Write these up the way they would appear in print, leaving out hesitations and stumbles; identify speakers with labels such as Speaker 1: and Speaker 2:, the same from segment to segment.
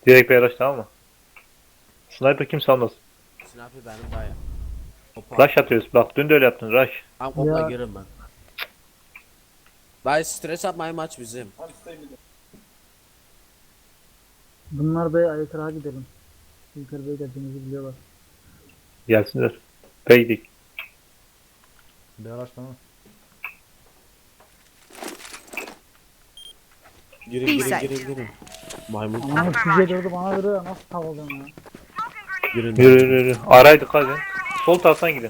Speaker 1: Direkt bir araç, tamam mı? Sniper kimse almaz.
Speaker 2: Sniper benim dayı. Hopa.
Speaker 1: Rush atıyoruz. Bak dün de öyle yaptın. Rush.
Speaker 2: Tam kopla
Speaker 3: Ya.
Speaker 2: girerim ben. Dayı stres yapmayın, maç bizim.
Speaker 3: Bunlar B'ye aykırığa gidelim. Yukarı B'ye geldiğimizi biliyorlar.
Speaker 1: Gelsinler. Peydik.
Speaker 4: Bir araçlama.
Speaker 2: Girin. Maymun.
Speaker 3: Ama size durdu bana duruyor. Nasıl tavalıyorum ya?
Speaker 2: Girin.
Speaker 1: Yürü. Araydık hadi. Sol taraftan gidin.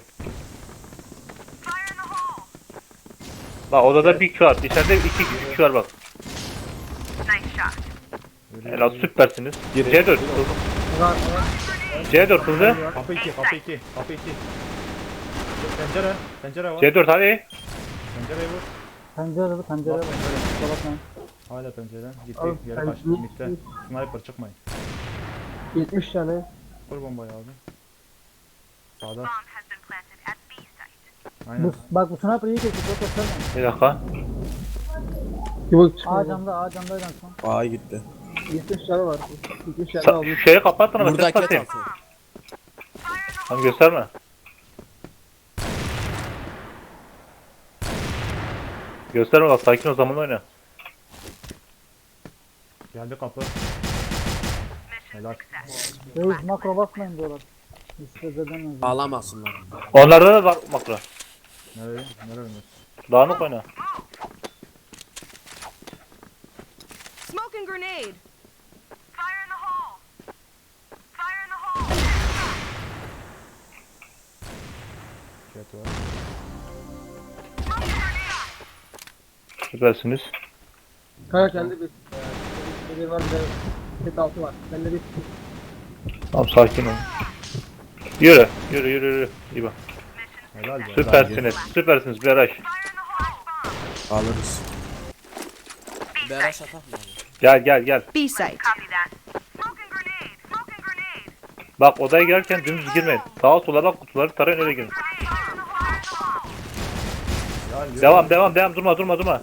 Speaker 1: Bak odada bir Q var. İçeride iki Q var bak. Helal, süpersiniz. C4 hızlı.
Speaker 3: Var.
Speaker 1: C4 hızlı.
Speaker 4: Kapı 2, kapı 2, kapı 2. Pencere var.
Speaker 1: C4 hadi.
Speaker 4: Pencereyi vur.
Speaker 3: Pencere var. Kusura bakmayın.
Speaker 4: Hala pencereden. Gitti,
Speaker 3: Al,
Speaker 4: geri
Speaker 3: ben-
Speaker 4: kaçtı. Mitte. Sniper çıkmayın.
Speaker 3: 70 tane.
Speaker 4: Vur bombayı abi. Sağda.
Speaker 5: Bomb has been planted at B site.
Speaker 4: Aynen.
Speaker 3: Bak bu sniper iyi geçti. Çok gösterme.
Speaker 1: Bir dakika.
Speaker 3: A camdaydı en son.
Speaker 2: Aa gitti.
Speaker 3: 70 tane var. 70 tane almış.
Speaker 1: Şeyi kapattın ama
Speaker 2: Burada
Speaker 1: ses
Speaker 2: ket
Speaker 1: atayım.
Speaker 2: altı.
Speaker 1: Tamam gösterme. Gösterme bak, sakin o zaman oyna.
Speaker 4: Geldi kapı. Helal.
Speaker 3: Reis makro basmayın diyorlar. İsteriz edemez.
Speaker 2: Ağlamasınlar.
Speaker 1: Onlarda da bak makro.
Speaker 4: Nereye? Nereye oynuyorsun?
Speaker 1: Dağınık oyna.
Speaker 5: Smoking grenade. Fire in the hole. Fire in the hole.
Speaker 4: Jet var.
Speaker 5: Smoking grenade.
Speaker 1: Süpersiniz.
Speaker 3: Kaya kendi bir var bir de set altı var. Bende bir
Speaker 1: Tamam sakin ol. Yürü. İyi bak.
Speaker 4: Helal be.
Speaker 1: Süpersiniz bir araç.
Speaker 5: Fire in the hole bomb.
Speaker 2: Alırız. Beraş atak mı?
Speaker 1: Gel.
Speaker 5: B site. Copy that. Smoking grenade. Smoking grenade.
Speaker 1: Bak odaya girerken dümdüz girmeyin. Sağa sola bak, kutuları tarayın öyle girin.
Speaker 5: Fire in the hole.
Speaker 1: Devam durma.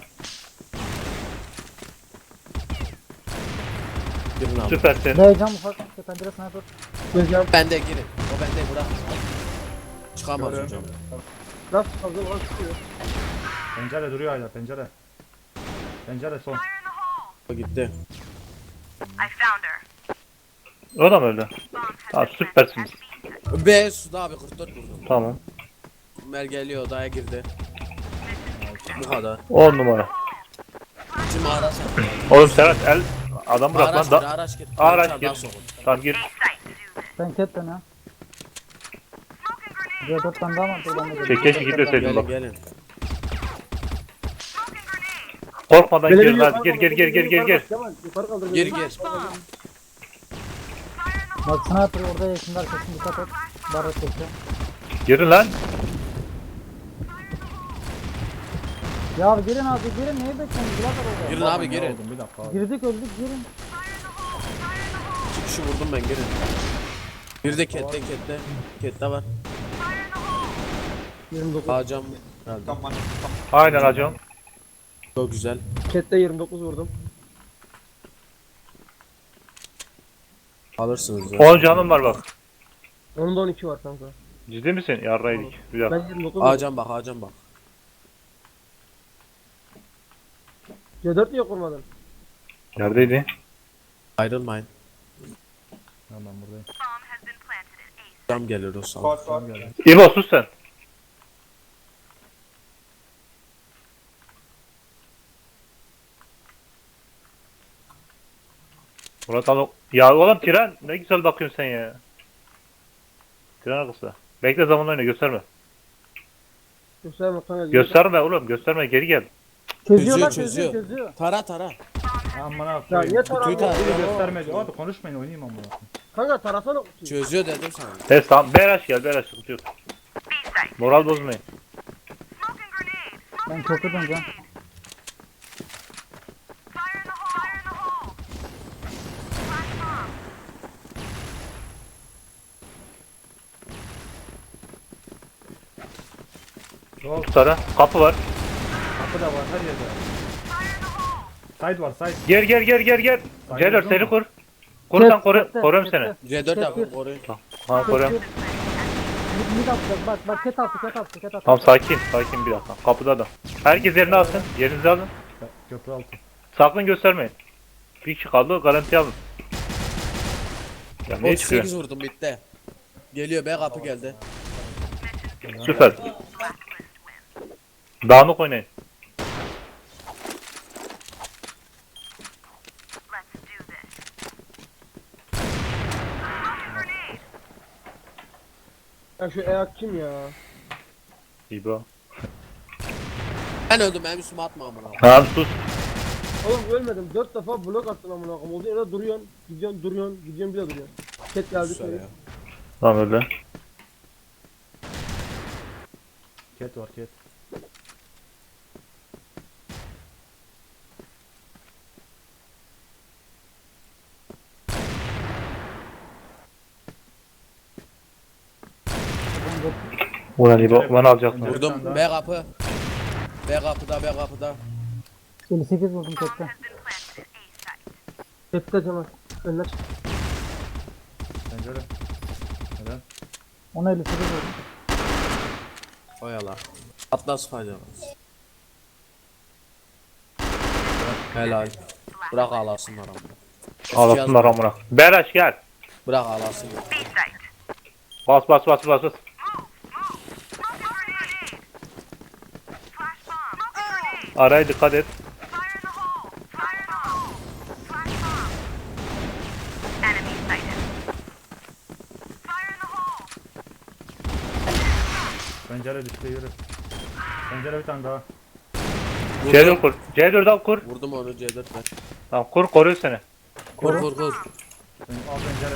Speaker 2: Girin abi.
Speaker 1: Süpersin.
Speaker 3: B cam ufak. Pencere sniper.
Speaker 2: Bende girin. O bende bırak. Çıkamaz
Speaker 4: Görüyorum.
Speaker 2: hocam.
Speaker 3: Nasıl fazla var çıkıyor.
Speaker 4: Pencere duruyor hala, pencere. Pencere son.
Speaker 5: Fire in the hole.
Speaker 2: O gitti.
Speaker 5: I found her.
Speaker 1: O da mı öyle?
Speaker 5: Bomb has
Speaker 1: Tamam
Speaker 5: been planted
Speaker 1: süpersiniz.
Speaker 5: at B site.
Speaker 2: B suda abi 44 vurdum.
Speaker 1: Tamam.
Speaker 2: Mer geliyor, odaya girdi. Bu kadar.
Speaker 1: 10 numara.
Speaker 2: Şimdi araç attı.
Speaker 1: Oğlum Serhat adam bırak lan.
Speaker 2: Araç gir, araç gir.
Speaker 1: Araç
Speaker 2: Çardan
Speaker 1: gir.
Speaker 2: sokun.
Speaker 1: Tamam gir.
Speaker 5: B site to do this.
Speaker 3: Ben ketten ha.
Speaker 5: Smoking grenade.
Speaker 3: C4 tane daha var. Buradan da
Speaker 1: Keşke gitmeseydin
Speaker 2: Gelin
Speaker 1: bak.
Speaker 2: gelin.
Speaker 5: Smoking grenade.
Speaker 1: Korkmadan girin hadi. Gir.
Speaker 2: Gir gir.
Speaker 5: Flash bomb.
Speaker 3: Bak sniper orada yakında arkasını dikkat et. Barret çekiyor.
Speaker 1: Girin lan.
Speaker 3: Ya girin abi girin. Neyi bekliyorsunuz? Bırakın orada.
Speaker 2: Girin abi girin.
Speaker 4: Oldum, bir dakika abi.
Speaker 3: Girdik öldük girin.
Speaker 2: 2 kişi vurdum ben girin. Bir de kette. Kette var.
Speaker 3: 29.
Speaker 2: Ağacam herhalde.
Speaker 1: Aynen hacım.
Speaker 2: Çok güzel.
Speaker 3: Chat'te 29 vurdum.
Speaker 2: Alırsınız ya.
Speaker 1: 10 canım var bak.
Speaker 3: Onun da 12 var kanka.
Speaker 1: Ciddi misin? Yarraydık. Bir dakika.
Speaker 3: Ben 29 vurdum.
Speaker 2: Ağacam bak.
Speaker 3: C4 niye kurmadın?
Speaker 1: Neredeydi?
Speaker 2: Ayrılmayın.
Speaker 4: Tamam ben buradayım.
Speaker 5: Bomb has been planted at A site.
Speaker 2: Cam gelir o sağ.
Speaker 4: Tamam geldi.
Speaker 1: İbo sus sen. Murat abi. Ya oğlum tren ne güzel bakıyorsun sen ya. Tren arkası. Bekle zaman oyna gösterme.
Speaker 3: Gösterme kanka.
Speaker 1: Gösterme oğlum gösterme geri gel.
Speaker 3: Çözüyorlar
Speaker 2: Çözüyor.
Speaker 3: çözüyor.
Speaker 2: Tara.
Speaker 4: Aman
Speaker 3: Ya
Speaker 4: abi.
Speaker 3: niye taranıyor?
Speaker 2: Twitter.
Speaker 4: Biri göstermedi. Hadi konuşmayın, oynayayım ama.
Speaker 3: Kanka tarasana kutuyu.
Speaker 2: Çözüyor dedim sana.
Speaker 1: Evet tamam Beraş gel Beraş sıkıntı yok.
Speaker 5: B site.
Speaker 1: Moral bozmayın.
Speaker 5: Smoking grenade.
Speaker 3: Ben çok döneceğim.
Speaker 5: Fire in the hole. Fire in the hole. Flash bomb.
Speaker 4: Yok,
Speaker 1: Tutar'a kapı var.
Speaker 4: kapı da var her yerde.
Speaker 5: Fire in the hole.
Speaker 4: Side var, side.
Speaker 1: Gel. C4 seni kur. Korusan
Speaker 3: Ket,
Speaker 1: koruyorum
Speaker 3: ket,
Speaker 1: seni.
Speaker 3: ket.
Speaker 2: C4
Speaker 3: Ket
Speaker 2: yapın
Speaker 3: bir.
Speaker 2: koruyun.
Speaker 1: Ha koruyorum.
Speaker 3: Mid atacak bak ket attı.
Speaker 1: Tamam sakin bir dakika. Kapıda da. Herkes yerini alsın. Yerinizi alın.
Speaker 4: Köprü altı.
Speaker 1: Sakın göstermeyin. Bir kişi kaldı garanti alın. Ya ne çıkıyor?
Speaker 2: 38 vurdum bitti. Geliyor B kapı geldi.
Speaker 1: Süper. Dağınık oynayın.
Speaker 3: Ya şu Eyak kim ya?
Speaker 1: İbo.
Speaker 2: Ben öldüm benim üstüme atma amına.
Speaker 1: Tamam sus.
Speaker 3: Oğlum ölmedim. 4 defa blok attın amına koyayım. Olduğu yerde duruyorsun. Gidiyorsun bir daha duruyorsun. Ket geldi.
Speaker 2: Güzel ya.
Speaker 1: Tamam öyle.
Speaker 4: Ket var ket.
Speaker 1: Ulan İbo bana alacaksın.
Speaker 2: Vurdum B kapı. B kapıda.
Speaker 3: 58 vurdum kette. Kette Cemal. Önüne çık.
Speaker 4: Pencere. Neden?
Speaker 3: Ona 58 vurdum.
Speaker 2: Oyala. Atla sıkacağız. Helal. Bırak ağlasınlar amına.
Speaker 1: Ağlasınlar amına. Beraş gel.
Speaker 2: Bırak ağlasınlar.
Speaker 1: Bas. Araya dikkat et.
Speaker 4: Pencere düştü yürü. Pencere bir tane daha.
Speaker 1: C4 kur. C4 al kur.
Speaker 2: Vurdum onu C4'le.
Speaker 1: Tamam kur koruyor seni.
Speaker 2: Kur.
Speaker 4: Al pencere.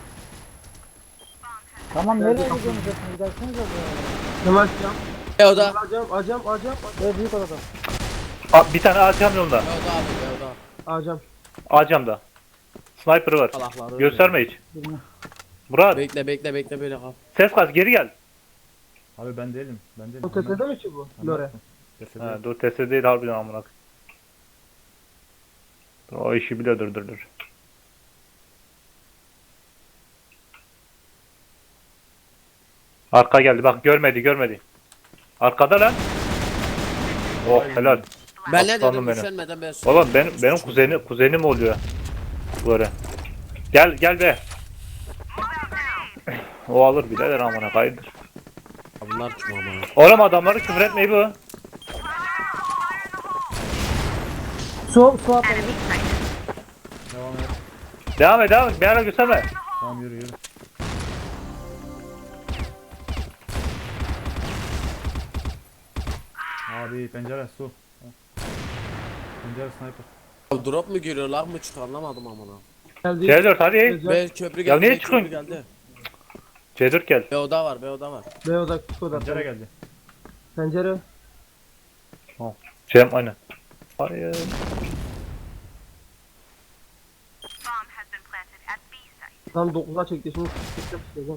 Speaker 3: Tamam nereye gidiyorsunuz? Gidersiniz ya. Cemal cam.
Speaker 2: B oda.
Speaker 3: Acam. Ve büyük odada.
Speaker 1: Bir tane ağacam yolda.
Speaker 2: B oda abi B oda.
Speaker 3: Acam.
Speaker 1: Ağacamda. Sniper var.
Speaker 2: Salakları.
Speaker 1: Gösterme hiç. Murat
Speaker 2: Bekle böyle kal.
Speaker 1: ses kas geri gel.
Speaker 4: Abi ben değilim. Ben değilim.
Speaker 3: O tepede mi ki bu? Lore.
Speaker 4: Tepede.
Speaker 1: Ha, dur testi değil harbiden amına. Dur, o işi bile dur. Arka geldi bak görmedi. Arkada lan. Oh helal.
Speaker 2: Ben ne
Speaker 1: Aslanım
Speaker 2: dedim
Speaker 1: benim.
Speaker 2: üşenmeden ben
Speaker 1: Oğlum benim kuzenim oluyor. Böyle. Gel be. O alır birader amına kaydır.
Speaker 2: Bunlar kim amına?
Speaker 1: Oğlum adamları küfür etmeyi bu.
Speaker 3: Su atladı.
Speaker 4: Devam et.
Speaker 1: Devam et. Bir ara gösterme.
Speaker 4: Tamam yürü. Abi pencere su. Pencere sniper.
Speaker 2: Drop mu giriyor lag mı çıkıyor anlamadım amına.
Speaker 3: Geldi.
Speaker 1: C4 hadi.
Speaker 2: B köprü geldi.
Speaker 1: Ya niye
Speaker 2: B köprü
Speaker 1: çıkıyorsun?
Speaker 2: geldi.
Speaker 1: C4 gel.
Speaker 2: B oda var.
Speaker 3: B oda küçük oda.
Speaker 4: Pencere geldi.
Speaker 3: Pencere.
Speaker 1: Cem aynen. Hayır.
Speaker 3: Tam 9'a çekti şimdi. Kette tutacağım.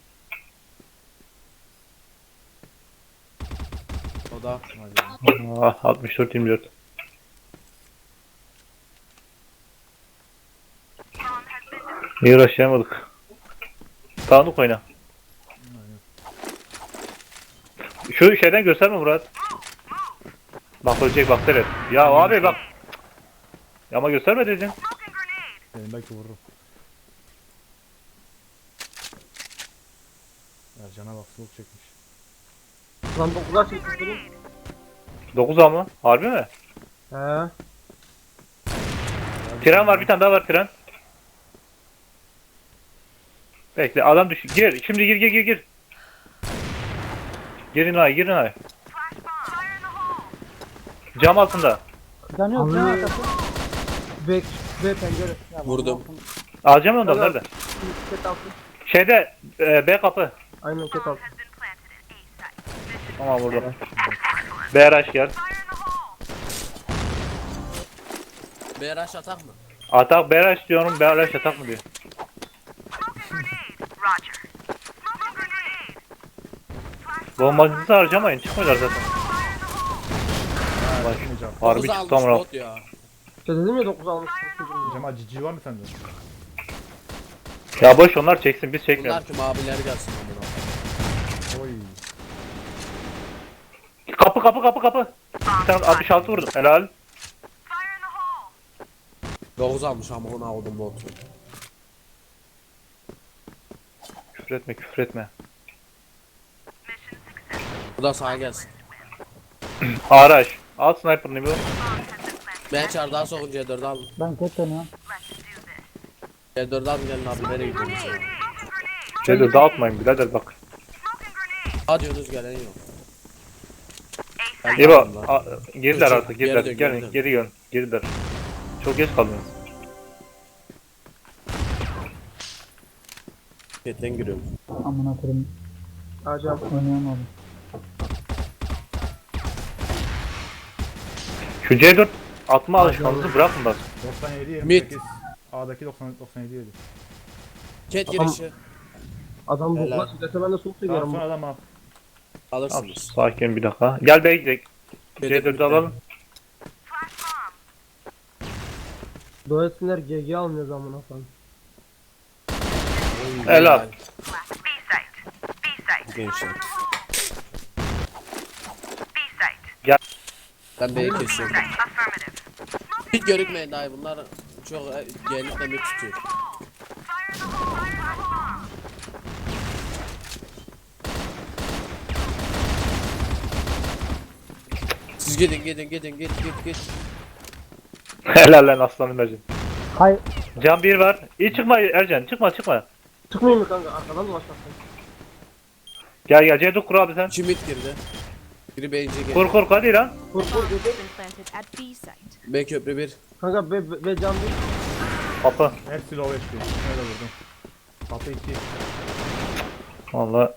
Speaker 2: Oda.
Speaker 1: Ah 64-24. İyi uğraşamadık. Dağınık oyna. Şu şeyden gösterme Murat. Bak ölecek bak seyret. Ya abi bak. Ya ama gösterme dedin.
Speaker 4: Benim belki vururum. Ercan'a bak soğuk çekmiş.
Speaker 3: Lan 9'a çekti.
Speaker 1: 9 ama. Harbi mi?
Speaker 3: He.
Speaker 1: Tren var bir tane daha var tren. Bekle adam düş. Gir. Şimdi gir. Girin ay. Cam altında.
Speaker 3: Can yok can arkası. B pencere.
Speaker 2: Vurdum.
Speaker 1: Alacağım ondan
Speaker 3: Helal.
Speaker 1: nerede?
Speaker 3: Ket altı.
Speaker 1: Şeyde B kapı.
Speaker 3: Aynen ket altı.
Speaker 1: Tamam burada. BRH gel.
Speaker 2: B rush atak mı?
Speaker 1: Atak BRH diyorum. BRH atak mı diyor. Bombacısı harcamayın. Çıkmıyorlar zaten. Bak, harbi
Speaker 2: Dokuz
Speaker 1: çıktı
Speaker 2: almış
Speaker 1: ama.
Speaker 2: bot ya.
Speaker 3: İşte dedim ya 9 almış.
Speaker 4: Cemal cici var mı sende?
Speaker 1: Ya boş onlar çeksin biz çekmiyoruz.
Speaker 2: Bunlar ki maviler gelsin amına.
Speaker 4: Oy.
Speaker 1: Kapı. Bir tane 66 vurdum. Helal.
Speaker 5: Fire in the hole!
Speaker 2: 9 almış ama ona aldım botu.
Speaker 1: Küfür etme.
Speaker 2: Bu da sağa gelsin.
Speaker 1: Araç. Al sniper'ını bir.
Speaker 2: Ben çardağa sokun C4'ü alın.
Speaker 6: Ben ket dönüyorum.
Speaker 2: C4'ü alın gelin abi nereye gidiyorsunuz?
Speaker 5: Grenade!
Speaker 1: Şeyde dağıtmayın birader bak.
Speaker 5: Smoking grenade!
Speaker 2: Hadi Yunus gelen yok. Ben
Speaker 1: İbo
Speaker 2: geldim lan.
Speaker 1: girdiler artık
Speaker 2: Geri
Speaker 1: girdiler.
Speaker 2: dön,
Speaker 1: Gelin
Speaker 2: geri dön.
Speaker 1: geri dön. Girdiler. Çok geç kaldınız.
Speaker 2: Ketten giriyorum.
Speaker 6: Amına koyayım.
Speaker 3: Acaba.
Speaker 6: Oynayamadım.
Speaker 1: Şu C4 atma alışkanlığınızı bırakın bak.
Speaker 4: 97
Speaker 2: Mid.
Speaker 4: 28. A'daki 97 yedi.
Speaker 2: Ket
Speaker 3: Tamam.
Speaker 2: girişi
Speaker 3: Adam bu
Speaker 2: Helal.
Speaker 3: kadar şiddete ben de soğuk
Speaker 4: Tamam
Speaker 3: seviyorum.
Speaker 4: son adam al.
Speaker 1: Al,
Speaker 2: alırsınız.
Speaker 1: sakin bir dakika. Gel B'ye gidelim.
Speaker 2: Dedim
Speaker 1: C4'ü
Speaker 2: bitti.
Speaker 1: alalım.
Speaker 3: Dua etsinler GG almıyor zamana falan.
Speaker 1: Helal.
Speaker 5: B site! B site!
Speaker 2: Gençler.
Speaker 5: B site!
Speaker 2: Ben B'yi kesiyorum.
Speaker 5: Affirmative.
Speaker 2: Hiç görükmeyin dahi bunlar çok genlikle mi tutuyor.
Speaker 5: Fire in the hole! Fire in the hole!
Speaker 2: Siz git.
Speaker 1: Helal lan aslanım Ercan.
Speaker 6: Hay
Speaker 1: Can 1 var. İyi çıkma Ercan. Çıkma.
Speaker 3: Çıkmayayım mı kanka? Arkadan dolaşmasın.
Speaker 1: Gel C4 kur abi sen.
Speaker 2: İki mid girdi. Biri B'ince geldi.
Speaker 1: Kur hadi lan.
Speaker 3: Kur GG.
Speaker 5: Planted at B site.
Speaker 2: B köprü 1.
Speaker 3: Kanka ve can değil.
Speaker 1: Kapı.
Speaker 4: Hepsi low HP. Öyle vurdum. Kapı 2.
Speaker 1: Valla.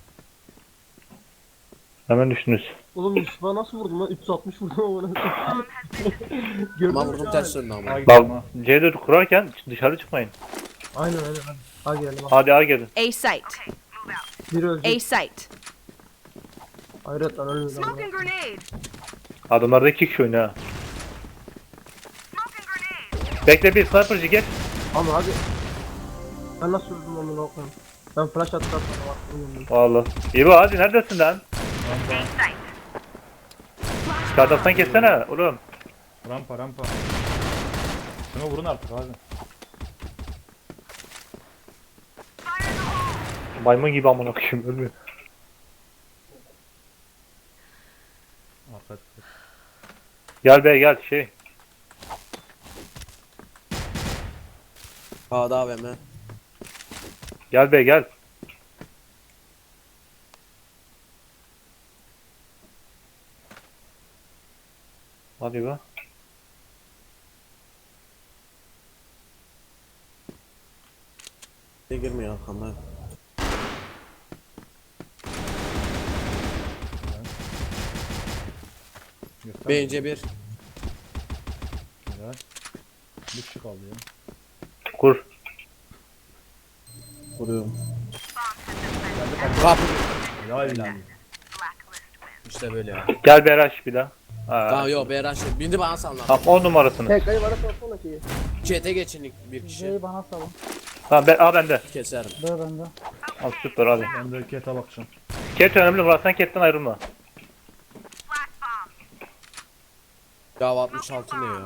Speaker 1: Hemen düştünüz.
Speaker 3: Oğlum Yusuf'a nasıl vurdum lan? 360 vurdum ama. Gördün
Speaker 2: Ama
Speaker 3: mü
Speaker 2: vurdum
Speaker 3: abi?
Speaker 2: ters döndü ama.
Speaker 4: A gidelim
Speaker 1: Bak
Speaker 4: ha.
Speaker 1: C4 kurarken dışarı çıkmayın.
Speaker 3: Aynen hadi. Hadi gidelim.
Speaker 1: Hadi A gelin.
Speaker 5: A site!
Speaker 3: Biri
Speaker 5: A
Speaker 3: ölecek.
Speaker 5: site!
Speaker 3: Hayret lan ölmedi.
Speaker 5: Smoking grenade!
Speaker 1: Adamlarda 2 kişi oynuyor ha.
Speaker 5: Smoking grenade!
Speaker 1: Bekle bir sniper'cı gel.
Speaker 3: Ama hadi. Ben nasıl vurdum onu okuyayım. Ben flash attım.
Speaker 1: Valla. İbo hadi neredesin lan?
Speaker 5: B site!
Speaker 1: Dışarıdan kessene oğlum.
Speaker 4: Rampa. Şunu vurun artık abi.
Speaker 5: Fire in the hole!
Speaker 1: Maymun gibi amına koyayım ölmüyor.
Speaker 4: Arka.
Speaker 1: Gel be gel şey.
Speaker 2: A'da AVM.
Speaker 1: Gel be gel. Hadi be.
Speaker 2: Ne girmiyor arkamdan.
Speaker 4: Göster.
Speaker 2: B'ince 1.
Speaker 4: Güzel. Bir kişi kaldı ya.
Speaker 1: Kur.
Speaker 2: Vuruyorum. Kapı.
Speaker 4: Helal.
Speaker 2: İşte böyle ya.
Speaker 1: Gel Beraş bir daha.
Speaker 2: Tamam yok Beyran şey. Bindi bana sallan.
Speaker 1: Tamam 10 numarasını.
Speaker 3: Tek kayı bana sorsana şeyi.
Speaker 2: Çete geçin bir kişi.
Speaker 6: C'yi bana salın.
Speaker 1: Tamam bende.
Speaker 2: Keserim.
Speaker 6: B bende.
Speaker 1: Al süper hadi.
Speaker 4: Ben de kete bakacağım.
Speaker 1: Ket önemli Murat sen ketten ayrılma.
Speaker 5: Flash bomb!
Speaker 2: Ya 66 ne ya?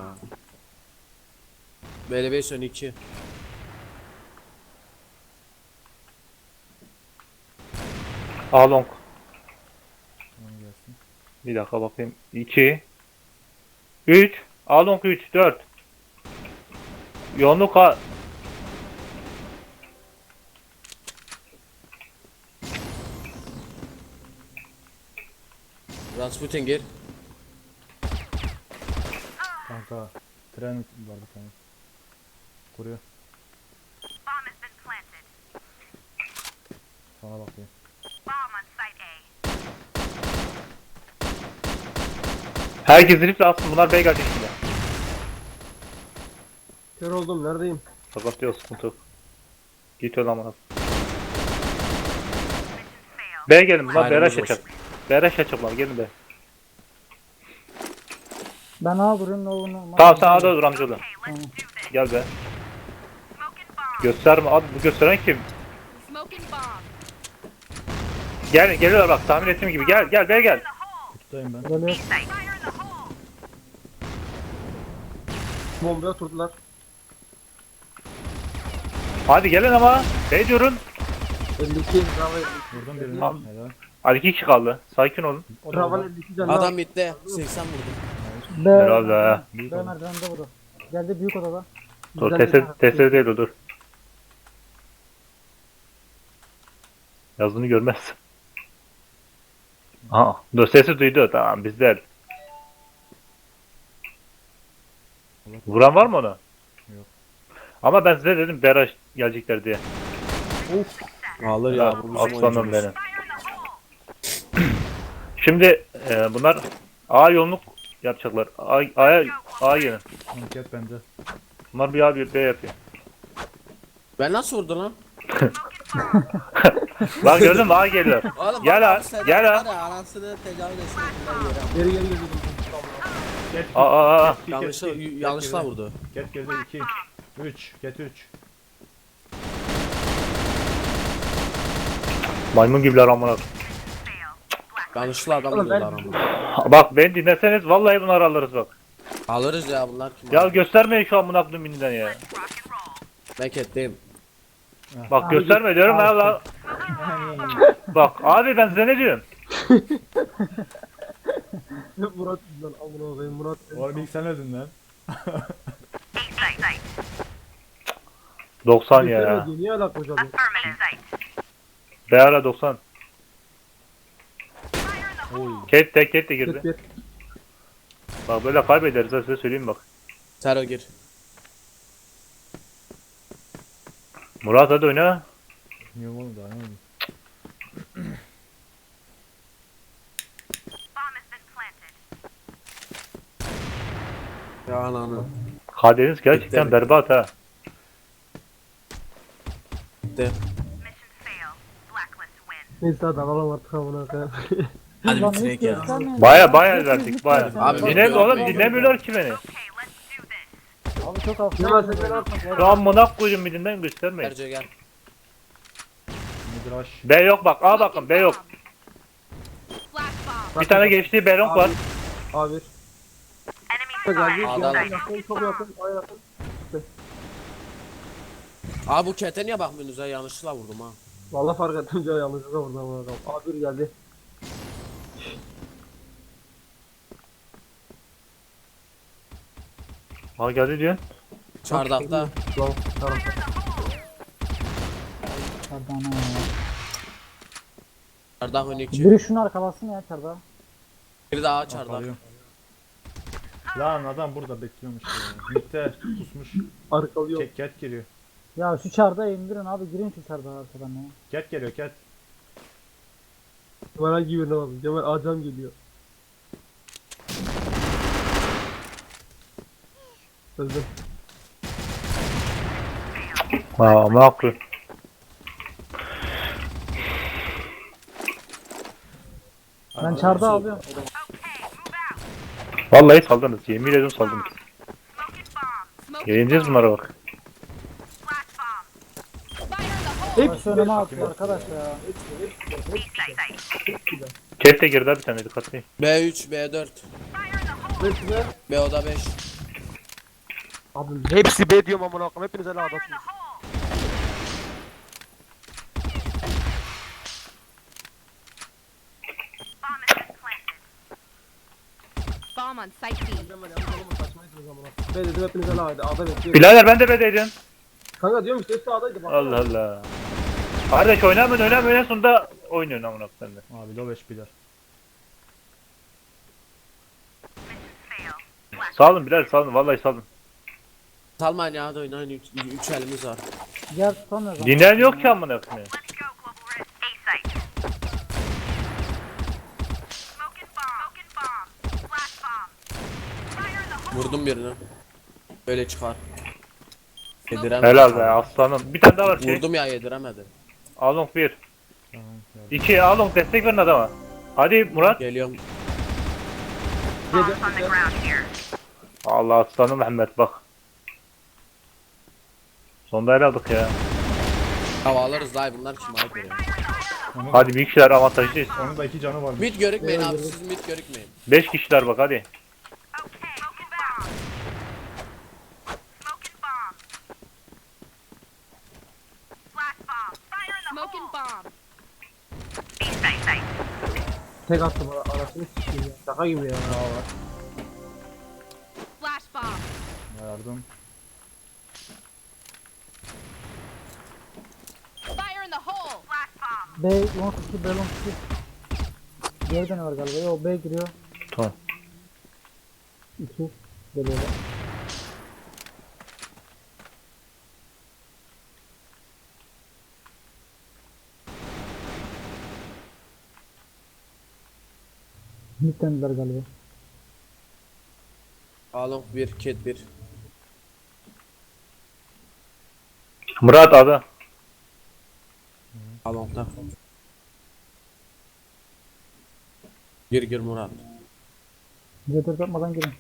Speaker 2: BLB son 2.
Speaker 1: Along.
Speaker 4: Tamam gelsin.
Speaker 1: Bir dakika bakayım. 2 3 Along 3 4 Yoğunluk A.
Speaker 2: Rasputin gir.
Speaker 4: Kanka. Tren var bir tane. Kuruyor.
Speaker 5: Bomb has been planted.
Speaker 4: Sana bakıyor.
Speaker 5: Bomb on site A.
Speaker 1: Herkes zilifle atsın bunlar B gelecek şimdi.
Speaker 3: Kör oldum neredeyim?
Speaker 1: Fakat yok sıkıntı yok. Git öyle amına. B gelin bunlar
Speaker 2: Aynen,
Speaker 1: Beraş
Speaker 2: boş.
Speaker 1: açacak. Beraş açacaklar gelin be.
Speaker 6: Ben A vuruyorum ne olur ne olmaz.
Speaker 1: Tamam sen A'da dur amcaoğlu.
Speaker 6: Tamam.
Speaker 1: Gel be.
Speaker 5: Smoking bomb!
Speaker 1: Gösterme abi, bu gösteren kim?
Speaker 5: Smoking bomb.
Speaker 1: Geliyorlar bak, tahmin ettiğim gibi. Gel.
Speaker 4: Tuttayım ben.
Speaker 3: Dönüyor.
Speaker 5: Fire in the hole.
Speaker 3: Bombaya oturdular.
Speaker 1: Hadi gelin ama. Ne diyorsun?
Speaker 3: 52. Bravo 52.
Speaker 4: Vurdum birini.
Speaker 1: Tamam.
Speaker 4: Helal.
Speaker 1: Hadi 2 kişi kaldı. Sakin olun.
Speaker 4: O da
Speaker 3: Bravo
Speaker 4: orada.
Speaker 3: 52 canlı.
Speaker 2: Adam bitti. 80 vurdum.
Speaker 1: Herhalde ha.
Speaker 4: Büyük
Speaker 6: B
Speaker 4: adam.
Speaker 6: merdivende vurdu. Geldi büyük odada.
Speaker 1: Dur, tesir değil o, dur. Yazdığını görmez. Aha, dur, sesi duydu. Tamam, bizden. Vuran var mı ona?
Speaker 4: Yok.
Speaker 1: Ama ben size dedim Beraş gelecekler diye.
Speaker 2: Alır ya bu bizim
Speaker 1: Aslanım
Speaker 2: oyuncumuz.
Speaker 1: benim. Şimdi bunlar A yoğunluk yapacaklar. A yönü.
Speaker 4: Anket bende.
Speaker 1: Bunlar bir A bir B yapıyor.
Speaker 2: Ben nasıl vurdu lan?
Speaker 1: Bak gördün mü, A geliyor.
Speaker 2: Oğlum
Speaker 1: Gel
Speaker 2: bak,
Speaker 1: ha,
Speaker 2: abi sen
Speaker 1: gel ha.
Speaker 2: var ya, anasını tecavüz etsin.
Speaker 3: Geri geri geri.
Speaker 4: Get.
Speaker 1: Aa.
Speaker 2: Yanlışla vurdu.
Speaker 4: Get girdi 2. 3. Get 3.
Speaker 1: Maymun gibiler amına.
Speaker 2: Yanlışla adam
Speaker 3: Oğlum ben-
Speaker 2: vurdular ama.
Speaker 1: Bak beni dinleseniz vallahi bunları alırız bak.
Speaker 2: Alırız ya bunlar kim?
Speaker 1: Ya
Speaker 2: alır?
Speaker 1: göstermeyin şu amına koyduğum bininden ya.
Speaker 2: Ben ketteyim.
Speaker 1: Bak gösterme diyorum ha la. Bak abi, ben size ne diyorum?
Speaker 3: Murat lan amına koyayım Murat.
Speaker 4: Oğlum ilk sen öldün lan.
Speaker 1: 90 ya.
Speaker 3: Göstermedi, niye alak hocam?
Speaker 1: B ara 90.
Speaker 4: Oy.
Speaker 1: Ket de girdi.
Speaker 3: Bir.
Speaker 1: Bak böyle kaybederiz ha, size söyleyeyim bak.
Speaker 2: Sero gir.
Speaker 1: Murat hadi oyna.
Speaker 4: Niye oğlum daha ne oldu?
Speaker 2: Ya ananı.
Speaker 1: Kaderiniz gerçekten
Speaker 2: Bitti.
Speaker 1: berbat ha.
Speaker 2: Bitti.
Speaker 3: Neyse hadi alalım artık amına koyayım.
Speaker 2: Hadi
Speaker 6: Lan
Speaker 2: bitirek
Speaker 6: hiç
Speaker 2: ya.
Speaker 6: göstermeyin.
Speaker 1: Baya
Speaker 6: Hiç
Speaker 1: verdik
Speaker 6: hiç
Speaker 1: baya.
Speaker 6: göstermeyin.
Speaker 2: Abi,
Speaker 1: Dinlemiyor oğlum,
Speaker 2: yok.
Speaker 1: dinlemiyorlar ki beni.
Speaker 6: Abi çok hafif.
Speaker 3: Hemen sen ne yapmak
Speaker 1: Şu amına koyduğum birinden göstermeyin.
Speaker 2: Erce gel.
Speaker 4: Midrash.
Speaker 1: B yok bak, A bakın, B yok.
Speaker 5: Flash bomb.
Speaker 1: Bir tane geçtiği B long var.
Speaker 3: A1. Geldi.
Speaker 2: A'dan.
Speaker 3: Yakın, çok yakın. A yakın.
Speaker 2: Abi bu kete niye bakmıyorsunuz ya? Yanlışlıkla vurdum ha.
Speaker 3: Vallahi fark ettim ya yanlışlıkla vurdum amına koyayım. A1 geldi.
Speaker 1: A geldi diyor.
Speaker 2: Çardakta.
Speaker 3: Tamam. Tamam.
Speaker 6: Çardağına ya.
Speaker 2: Çardak önükçü.
Speaker 6: Biri şunu arkalasın ya çardağı.
Speaker 2: Bir daha çardak.
Speaker 4: Alıyorum. Lan adam burada bekliyormuş ya. Mitte pusmuş.
Speaker 3: Arkalıyor.
Speaker 4: Ket giriyor.
Speaker 6: Ya şu çardağı indirin abi, girin şu çardağı arkadan ya.
Speaker 4: Ket geliyor ket.
Speaker 3: Kemal hangi birine bakın. Kemal Acam geliyor. Öldüm.
Speaker 1: Ha, ne yapıyor?
Speaker 6: Ben çardağı alıyorum.
Speaker 1: Vallahi saldınız. Yemin ediyorum saldınız.
Speaker 5: Smoking
Speaker 1: Yeneceğiz bunlara bak.
Speaker 5: flash bomb. Fire in the hole.
Speaker 6: Başı önüme atıyor arkadaş ya.
Speaker 1: Ket de girdi ha, bir tane dikkatli.
Speaker 2: B3, B4,
Speaker 3: Hepsine.
Speaker 2: B oda 5.
Speaker 3: Abi hepsi B diyorum amına koyayım. Hepiniz hele adasınız.
Speaker 5: Bomb on site B.
Speaker 3: B dedim hepiniz hele haydi. Ada bekliyorum.
Speaker 1: Birader ben de B'deydim.
Speaker 3: Kanka diyorum işte hepsi A'daydı. Bak.
Speaker 1: Allah Allah. Kardeş oynamıyorsun sonunda oynuyorsun amına koyayım sen de.
Speaker 4: Abi low 5 biler.
Speaker 1: Salın birader, salın, vallahi salın.
Speaker 2: Salmayın ya, hadi oynayın. 3 elimiz var.
Speaker 6: Yer tutamıyoruz ama.
Speaker 1: Dinleyen yok ki amına koyayım.
Speaker 2: Vurdum birini. Böyle çıkar. Yediremedi.
Speaker 1: Helal be aslanım. Bir tane daha var şey.
Speaker 2: Vurdum ya, yediremedi.
Speaker 1: Along 1.
Speaker 4: Tamam geldi.
Speaker 1: 2 Along, destek verin adama. Hadi Murat.
Speaker 2: Geliyorum.
Speaker 1: Allah aslanım Mehmet bak. Sonda el aldık ya.
Speaker 2: Hava alırız daha bunlar kim ayıp ya.
Speaker 1: Hadi büyük kişiler avantajlıyız.
Speaker 4: Onun da 2 canı var.
Speaker 2: Mid görükmeyin abi
Speaker 3: Evet.
Speaker 2: siz mid görükmeyin.
Speaker 1: 5 kişiler bak hadi.
Speaker 5: Smoking bomb.
Speaker 3: Tek attım arasını sikeyim ya. Şaka gibi ya.
Speaker 5: Flash bomb.
Speaker 4: Yardım.
Speaker 5: Fire in the hole.
Speaker 6: B long 2 B long 2. Diğer de ne var galiba? Yo B giriyor.
Speaker 1: Tamam.
Speaker 6: 2 geliyorlar. Mid'dendiler galiba.
Speaker 2: Along 1 cat 1.
Speaker 1: Murat adı.
Speaker 2: Along'da. Gir Murat.
Speaker 6: C4 atmadan girin.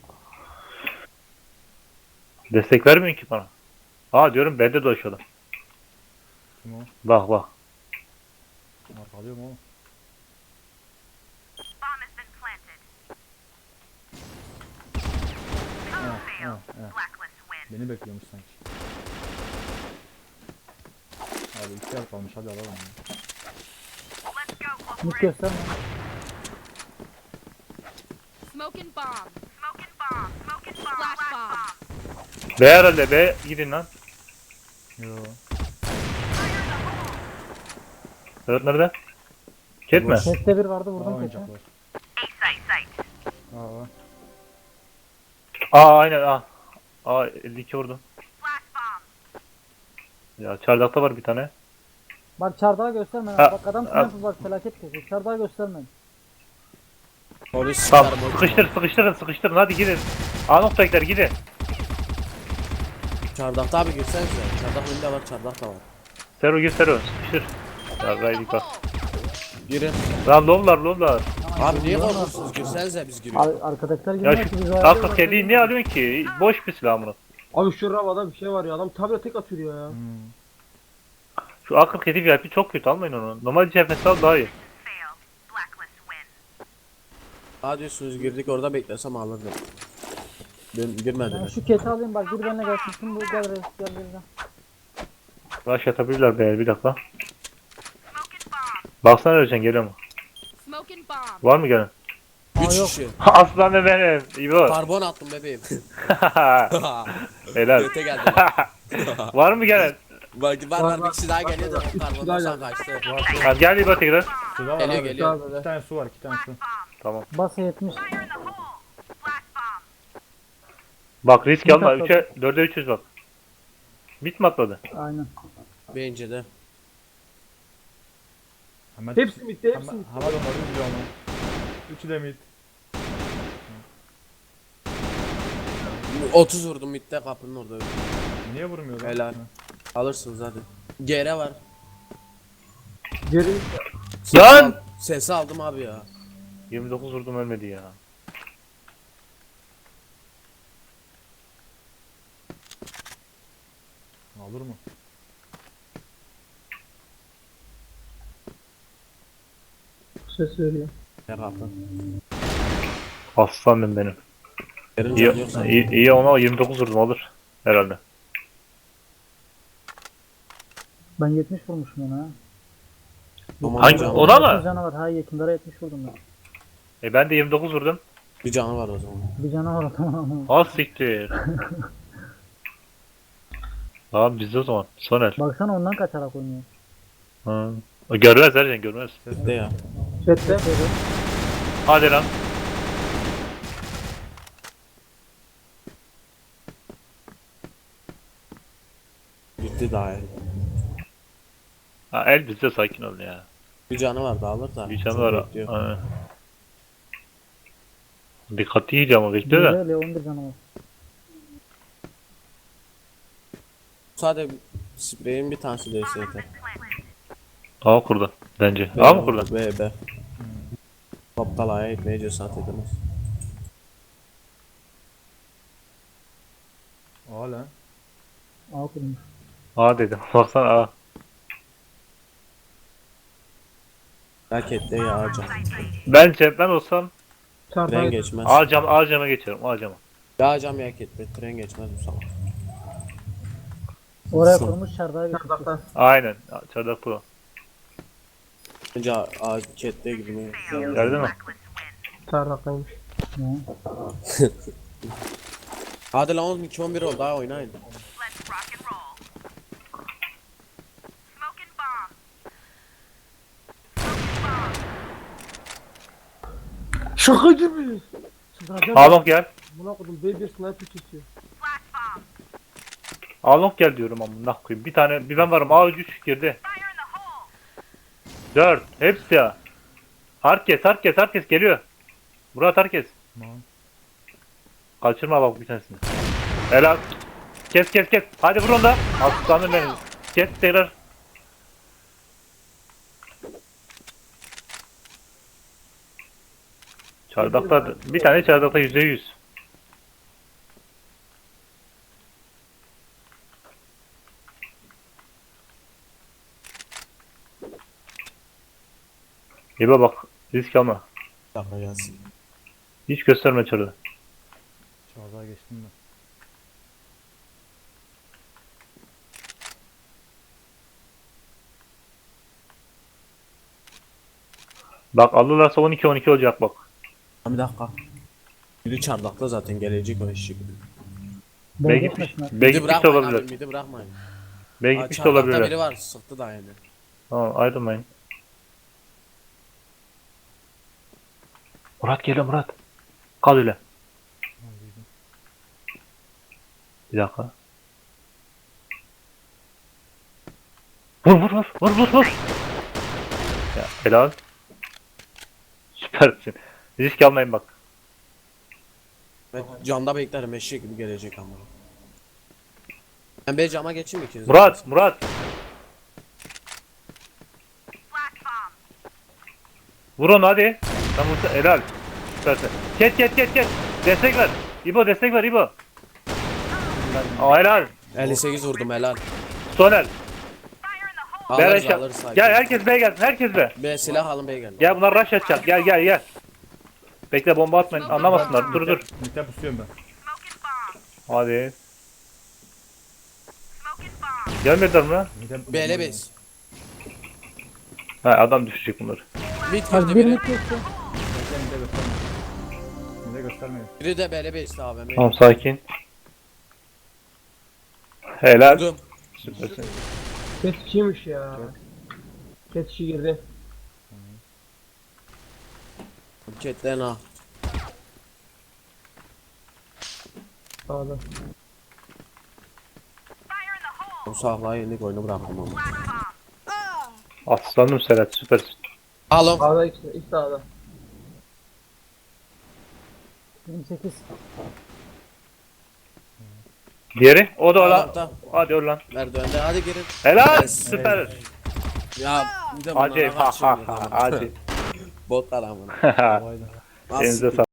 Speaker 1: Destek vermiyor ki bana. Aa diyorum bende dolaşıyorlar.
Speaker 4: Kim o?
Speaker 1: Bak bak.
Speaker 4: Arkalıyor mu oğlum? Ha, beni bekliyormuş sanki. Abi 2 yer kalmış hadi alalım ya.
Speaker 6: Mid gösterme.
Speaker 5: Smoking bomb. Flash bomb.
Speaker 1: B herhalde B gidin lan.
Speaker 4: Yo.
Speaker 1: Evet nerede? Ket mi?
Speaker 6: Seste bir vardı
Speaker 4: Aa
Speaker 6: vurdum
Speaker 4: oyuncak
Speaker 6: keçe.
Speaker 4: var. Aa.
Speaker 1: Aa aynen aa. Aa 52 vurdum. Ya çardakta var bir tane.
Speaker 6: Bak çardağı gösterme.
Speaker 1: Ha,
Speaker 6: Bak adam
Speaker 1: ha.
Speaker 6: sniper bak felaket kesiyor. Çardağı gösterme.
Speaker 2: Polis
Speaker 1: Tamam
Speaker 2: çıkar,
Speaker 1: sıkıştırın hadi gidin. A noktakiler gidin.
Speaker 2: Çardakta abi girsenize. Çardak önünde var çardak da var.
Speaker 1: Sero gir Sero sıkıştır. Ya
Speaker 5: In
Speaker 1: Raydik
Speaker 5: the
Speaker 1: bak.
Speaker 5: hole.
Speaker 2: Girin.
Speaker 1: Lan loblar.
Speaker 2: Abi niye korkuyorsunuz? Girsenize biz giriyoruz.
Speaker 6: Arkadakiler
Speaker 1: Ya
Speaker 6: girmiyor ki biz
Speaker 1: şu
Speaker 6: ayarlıyoruz,
Speaker 1: akıl
Speaker 6: başka
Speaker 1: kediyi niye alıyorsun ki? Boş bir silah bunu.
Speaker 3: Abi şu Rava'da bir şey var ya. Adam tabla tek atıyor ya.
Speaker 1: Şu akıl kedi VIP çok kötü almayın onu. Normal CFS al daha iyi.
Speaker 2: Daha diyorsunuz girdik orada beklesem alırdım. Ben
Speaker 6: Ben
Speaker 2: girmedim.
Speaker 6: şu keti alayım bak bir benimle gelsin. Şimdi bu gel reis gel.
Speaker 1: Rush atabilirler be bir dakika. Baksana Ercan geliyor mu?
Speaker 5: Smoking bomb.
Speaker 1: Var mı gelen?
Speaker 2: 3
Speaker 6: yok.
Speaker 2: kişi.
Speaker 1: Aslan be benim. İbo.
Speaker 2: Karbon attım bebeğim.
Speaker 1: Helal.
Speaker 2: Göte geldi.
Speaker 1: Var mı gelen?
Speaker 2: Var bir kişi daha geliyor da karbondan sonra kaçtı.
Speaker 1: Ha, gel İbo tekrar.
Speaker 4: Suda var
Speaker 2: Geliyor,
Speaker 4: abi.
Speaker 2: geliyor.
Speaker 4: 2 tane su var 2 tane su.
Speaker 1: Tamam.
Speaker 6: Basa 70.
Speaker 1: Bak risk
Speaker 6: Bir
Speaker 1: alma.
Speaker 6: dakika.
Speaker 1: 3'e 4'e 300 bak. Bit mi atladı?
Speaker 6: Aynen.
Speaker 2: Bence de.
Speaker 4: Hemen
Speaker 3: Hepsi bitti, hepsi bitti.
Speaker 4: Hemen onları izliyor ama. 3'ü de mid.
Speaker 2: 30 vurdum midde kapının orada.
Speaker 4: Niye vurmuyor lan?
Speaker 2: Helal. Alırsınız hadi. GR var.
Speaker 3: Geri
Speaker 1: Lan!
Speaker 2: Sesi aldım abi ya.
Speaker 1: 29 vurdum ölmedi ya.
Speaker 4: Olur mu?
Speaker 3: ses veriyor.
Speaker 2: Ne kapı.
Speaker 1: Aslanım benim.
Speaker 2: Yerin
Speaker 1: İyi,
Speaker 2: canı yoksa.
Speaker 1: iyi ona 29 vurdum olur. Herhalde.
Speaker 6: Ben 70 vurmuşum ona.
Speaker 2: Aman
Speaker 1: Hangi-
Speaker 2: canım.
Speaker 1: o da mı?
Speaker 6: 30 canı var. Ha yakınlara 70 vurdum ben.
Speaker 1: Ben de 29 vurdum.
Speaker 2: Bir canı var o zaman.
Speaker 6: Bir canı var tamam.
Speaker 1: Az siktir. Tamam bizde o zaman. Soner.
Speaker 6: Baksana ondan kaçarak oynuyor.
Speaker 1: Ha. O görmez Ercan görmez.
Speaker 2: De ya.
Speaker 3: Chatte.
Speaker 1: Hadi lan.
Speaker 2: Bitti daha iyi.
Speaker 1: Ha, el bizde sakin ol ya.
Speaker 2: Bir canı var da alır da.
Speaker 1: Bir canı
Speaker 2: Çok
Speaker 1: var.
Speaker 2: bekliyor.
Speaker 1: Ha. Dikkatli iyice ama bekliyor da.
Speaker 6: Bir de 11 canı var.
Speaker 2: Sadece spreyin bir tanesi değilse yeter.
Speaker 1: A kurdu. Bence. A mı kurdu?
Speaker 2: B. Aptal aya gitmeye cesaret edemez.
Speaker 4: Aa lan.
Speaker 6: A kurmuş.
Speaker 1: A dedim. Baksana A.
Speaker 2: Rakette ya cam.
Speaker 1: Bence ben olsam
Speaker 2: Tren
Speaker 3: Çarpay.
Speaker 2: geçmez.
Speaker 1: A cama geçerim. A cama.
Speaker 2: Ya cam ya kette. Tren geçmez bu sabah.
Speaker 6: Oraya kurmuş çardağı bir
Speaker 3: Çardaktan.
Speaker 1: Aynen. Çardak pro.
Speaker 2: Bence kette gibi.
Speaker 1: Gördün mü?
Speaker 3: Çardaktaymış.
Speaker 2: Hadi lan 12-11 oldu daha oynayın.
Speaker 5: Let's rock and roll. Smoking bomb.
Speaker 3: Şaka gibi. Çıldıracağım.
Speaker 1: Along gel.
Speaker 3: Buna koydum B1 sniper kesiyor.
Speaker 5: Flash bomb.
Speaker 1: Along gel diyorum amına koyayım. Bir tane bir ben varım. A3 girdi.
Speaker 5: Fire in the hole.
Speaker 1: 4. Hepsi ya. Herkes geliyor. Murat herkes.
Speaker 4: Tamam.
Speaker 1: Kaçırma bak bir tanesini. Helal. Kes. Hadi vur onu da. Aslanım benim. Kes tekrar. Çardakta bir tane çardakta %100. İba bak. Risk alma.
Speaker 2: Dakika gelsin.
Speaker 1: Hiç gösterme çarı.
Speaker 4: Çağdağa geçtim ben.
Speaker 1: Bak alırlarsa 12-12 olacak bak.
Speaker 2: Bir dakika. Biri çardakta zaten gelecek o eşek.
Speaker 1: B
Speaker 6: Bey
Speaker 1: gitmiş.
Speaker 6: gitmesin.
Speaker 1: B
Speaker 2: Midi
Speaker 1: gitmiş de
Speaker 2: bırakmayın abi
Speaker 1: olabilir.
Speaker 2: midi bırakmayın.
Speaker 1: B
Speaker 2: Aa,
Speaker 1: gitmiş de
Speaker 2: çardakta
Speaker 1: olabilir.
Speaker 2: biri var sıktı da yani.
Speaker 1: Tamam ayrılmayın. Murat geliyor Murat. Kal öyle. Bir dakika. Vur. Ya helal. Süpersin. Risk almayın bak.
Speaker 2: Ben camda beklerim eşek gibi gelecek ama. Ben bir cama geçeyim ikiniz.
Speaker 1: Murat.
Speaker 5: Flash bomb.
Speaker 1: Vur onu hadi. Sen vursa helal. Süpersin. Kes. Destek ver. İbo destek ver İbo. Aa helal.
Speaker 2: 58 vurdum helal.
Speaker 1: Sonel.
Speaker 5: Fire in the hole.
Speaker 1: Ver
Speaker 2: Alırız
Speaker 1: aşağı.
Speaker 2: alırız sakin.
Speaker 1: Gel herkes B gelsin. Herkes B.
Speaker 2: Bir silah alın bey gelin.
Speaker 1: Gel bunlar rush atacak. Gel. Bekle bomba atmayın. Anlamasınlar. Dur.
Speaker 4: Mitte pusuyorum ben.
Speaker 5: Smoking bomb.
Speaker 1: Hadi.
Speaker 5: Smoking bomb.
Speaker 1: Gelmediler mi lan?
Speaker 4: Mitte
Speaker 2: B'le bez.
Speaker 1: Ha adam düşecek bunları.
Speaker 2: Mid
Speaker 6: Az
Speaker 2: girdi
Speaker 6: bir
Speaker 2: biri.
Speaker 6: mit geçti.
Speaker 4: Mitte göstermeyin.
Speaker 2: Biri de B'le bezdi abi.
Speaker 1: Tamam sakin. Helal.
Speaker 2: Vurdum.
Speaker 1: Süpersin.
Speaker 3: Ketçiymiş ya. Ketçi girdi.
Speaker 2: Ketten ha.
Speaker 3: Sağda.
Speaker 5: Fire in the hole.
Speaker 2: Bu sahla yendik oyunu bıraktım ama.
Speaker 5: Flash bomb.
Speaker 1: Aslanım Serhat süpersin.
Speaker 2: Alın.
Speaker 3: Sağda ikisi sağda.
Speaker 6: 28.
Speaker 1: Diğeri o da o lan.
Speaker 2: Tamam.
Speaker 1: Hadi öl lan.
Speaker 2: Merdivende hadi girin.
Speaker 1: Helal.
Speaker 2: Yes.
Speaker 1: Süper.
Speaker 2: Ya bir de
Speaker 1: Acı.
Speaker 2: bunlara
Speaker 1: Ha
Speaker 2: kaçıyor.
Speaker 1: Acı.
Speaker 2: Botlar amına.
Speaker 4: Kolaydı.
Speaker 1: Elinize sağlık.